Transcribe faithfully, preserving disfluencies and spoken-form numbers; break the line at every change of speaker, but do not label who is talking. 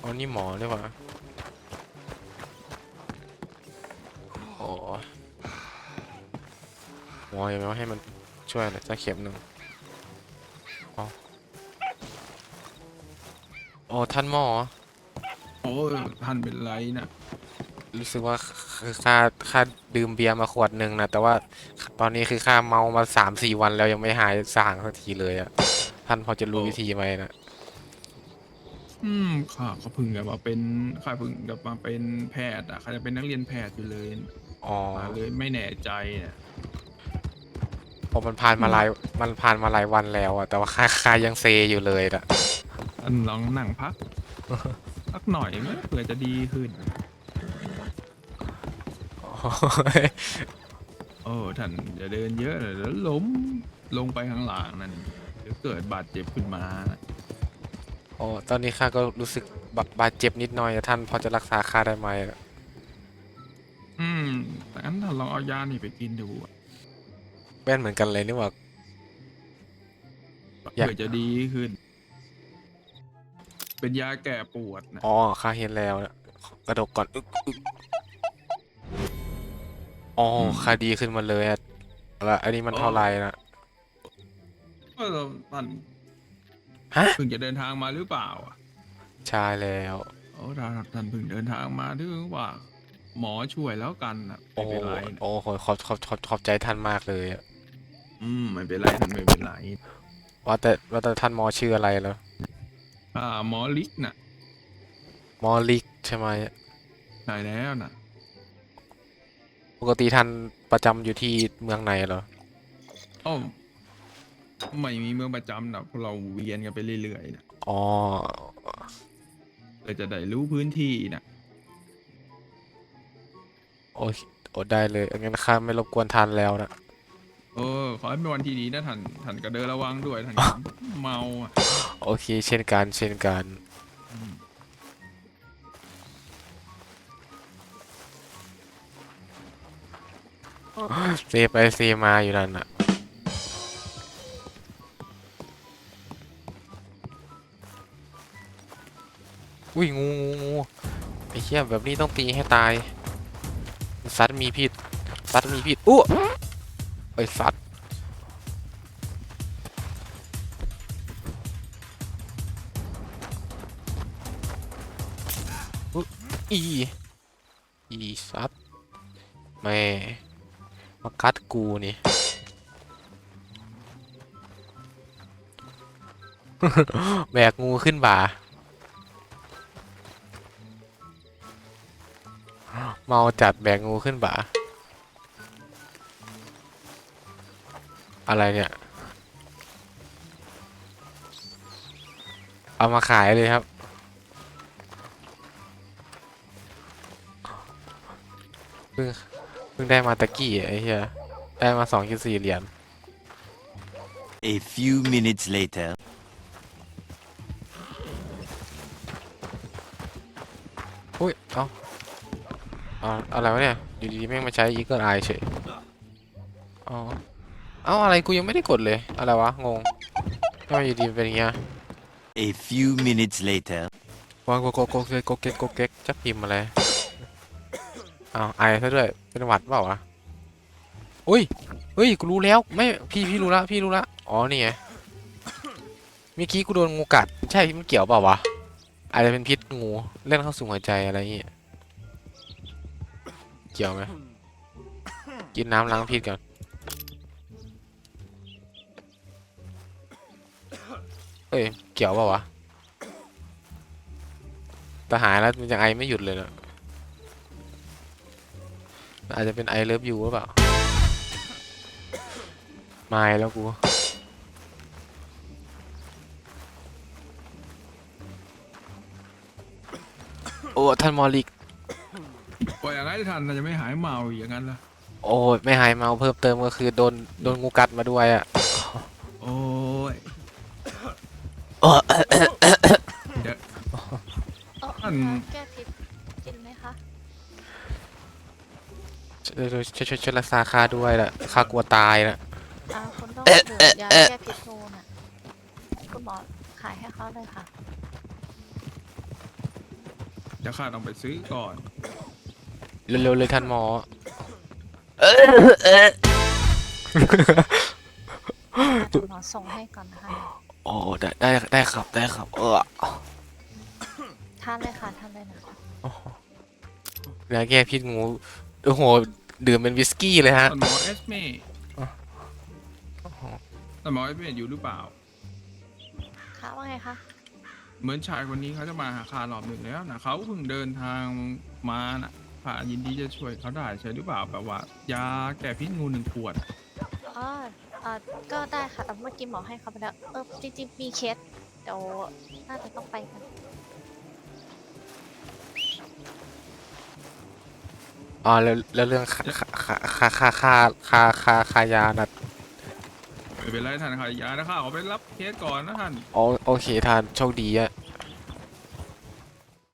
อ๋อนี่หมอหรือเปล่าโอ้หมอยังไม่ให้มันช่วยเลยสักเข็มหนึ่งอ๋อโอ้ท่านหมอ
โอ้ยท่านเป็นไรนะ
รู้สึกว่าคือค่าค่าดื่มเบียร์มาขวดหนึ่งนะแต่ว่าตอนนี้คือค่าเมามาสามสี่วันแล้วยังไม่หายส่างสักทีเลยอะท่านพอจะรู้
โอ้
วิธีไหมนะ
อืมข้าก็เพิ่งกลับมาเป็นข้าเพิ่งกลับมาเป็นแพทย์อ่ะข้าจะเป็นนักเรียนแพทย์อยู่เลย
อ๋อ
มาเลยไม่แน่ใจเนี่ย
พอมันผ่าน
อืม
มาหลายมันผ่านมาหลายวันแล้วอะแต่ว่าค่าค่ายังเซอยู่เลยนะ
ท่านลองนั่งพักสักหน่อยไหมเผื่อจะดีขึ้น โอ้ท่านอย่าเดินเยอะเลยแล้วล้มลงไปข้างหลังนั่นเดี๋ยวเกิดบาดเจ็บขึ้นมานะ
โอ้ตอนนี้ข้าก็รู้สึกบาบาดเจ็บนิดหน่อยอะท่านพอจะรักษาข้าได้ไหมอะ
อืมแต่งั้นท่านลองเอายานี่ไปกินดูอะ
แว่นเหมือนกันเลยนี่หว่าอยาก
เผื่อจะดีขึ้นเป็นยาแก้ปวดนะ
อ๋อข้าเห็นแล้วนะกระดกก่อนอึกอึกอ๋อ
อืม
ข้าดีขึ้นมาเลยอะแล้วอันนี้มัน
โอ้
เท่าไหร่นะ
เออท่าน
ฮะ
เพิ่งจะเดินทางมาหรือเปล่าอ่ะ
ใช่แล้ว
โอ้ถ้าท่านเพิ่งเดินทางมาถือว่าหมอช่วยแล้วกันนะ
โอ้
ไม่เป็นไรนะ
โอ้ขอขอบขอบขอบขอบใจท่านมากเลยอะ
อืมไม่เป็นไรท่านไม่เป็นไร
ว่าแต่ว่าแต่ท่านหมอชื่ออะไรเหรอ
อ่าหมอลิกน่ะ
หมอลิกใช่ไหม
ใช่แล้วนะ
ปกติท่านประจำอยู่ที่เมืองไหนเหรอ
อ้อไม่มีเมืองประจำนะพวกเราเวียนกันไปเรื่อยๆนะ
อ๋อ
เพื่อจะได้รู้พื้นที่นะ
โอ้โอ้ได้เลยงั้นข้าไม่รบกวนท่านแล้วนะ
เออขอให้เป็นวันที่ดีนะท่านท่านก็เดินระวังด้วยท่านอย่าเมาอ่ะ
โอเคเช่นกันเช่นกัน
อืม
เซไปเซมาอยู่นั่นน่ะอุ้ยงูงูงูไอ้เหี้ยแบบนี้ต้องตีให้ตายสัตว์มีพิษสัตว์มีพิษอู้ไอ้สัตว์อุ๊ยอีอีสัตว์แม่มากัดกูนี่แบกงูขึ้นบ่าเมาจัดแบกงูขึ้นบ่าอะไรเนี่ยเอามาขายเลยครับเพิ่งเพิ่งได้มาตะกี้ไอ้เหี้ยได้มาสองจุดสี่เหรียญ
A few minutes later.
อุ้ยเอ้าเอาอะไรวะเนี่ยอยู่ดีๆแม่งมาใช้ Eagle Eye เฉยอ๋อเอ้าอะไรกูยังไม่ได้กดเลยอะไรวะงงทำไมอยู่ดีมันเป็นอย่างเงี้ย
A few minutes later.
วางโกโกโกเกกโกเกกโกเกกจะพิมพ์อะไรอ้าวไอซะด้วยเป็นหวัดเปล่าวะอุ้ยเฮ้ยกูรู้แล้วไม่พี่พี่รู้ละพี่รู้ละอ๋อนี่ไงเมื่อกี้กูโดนงูกัดใช่มันเกี่ยวเปล่าวะอาจจะเป็นพิษงูเล่นเข้าสู่หัวใจอะไรอย่างเงี้ยเกี่ยวไหมกินน้ำล้างพิษก่อนเอ้ยเกี่ยวเปล่าวะแต่หายแล้วมันยังไอไม่หยุดเลยนะอาจจะเป็นไอเลิฟยูหรือเปล่าไม่แล้วกูโอ้ท่านมอลิก
ปล่อยอย่างนั้นท่านน่าจะไม่หายเมาอีกอย่างนั้นละ
โอ้ยไม่หายเมาเพิ่มเติมก็คือโดนโดนงูกัดมาด้วยอ่ะ
โอ้ยเดี๋ยว
เออ
ท่าน
ยาแก้พิษกินไหมคะ
ช่วยช่วยช่วยช่วยช่วยรักษาข้าด้วยล่ะข้ากลัวตายนะ
อ่าคุณต้องดื่มยาแก้พิษงูน่ะคุณหมอขายให้เขาเลยค่ะ
เดี๋ยวข้าต้องไปซื้อก่อน
เร็วๆเลยท่านหมอ
เดี๋ยวหมอส่งให้ก่อนนะคะ
โอ้ได้ได้ได้ครับได้ครับเออ
ทานเลยค่ะทานเลยนะคะ
ยาแก้พิษงูโอ้โหดื่มเป็นวิสกี้เลยฮะ
ท่านหมอเอสเม่
อ๋อ
ท่านหมอเอสเม่อยู่หรือเปล่า
ค่ะว่าไงคะ
เหมือนชายคนนี้เขาจะมาหาข้ารอบหนึ่งแล้วนะเขาเพิ่งเดินทางมานะข้ายินดีจะช่วยเขาได้ใช่หรือเปล่าแบบว่ายาแก้พิษงูหนึ่งขวด
อ๋อเอ่อก็ได้ค่ะแต่เมื่อกี้หมอให้เขาไปแล้วเออจริงๆมีเคสเดี๋ยวน่าจะต้องไปกัน
อ๋อแล้วแล้วเรื่องค่าค่าค่าค่าค่าค่าค่าค่ายานะ
ไม่เป็นไรท่านค่ะยานะข้าขอไปรับเคสก่อนนะท่าน
อ๋อโอเคท่านโชคดีอะ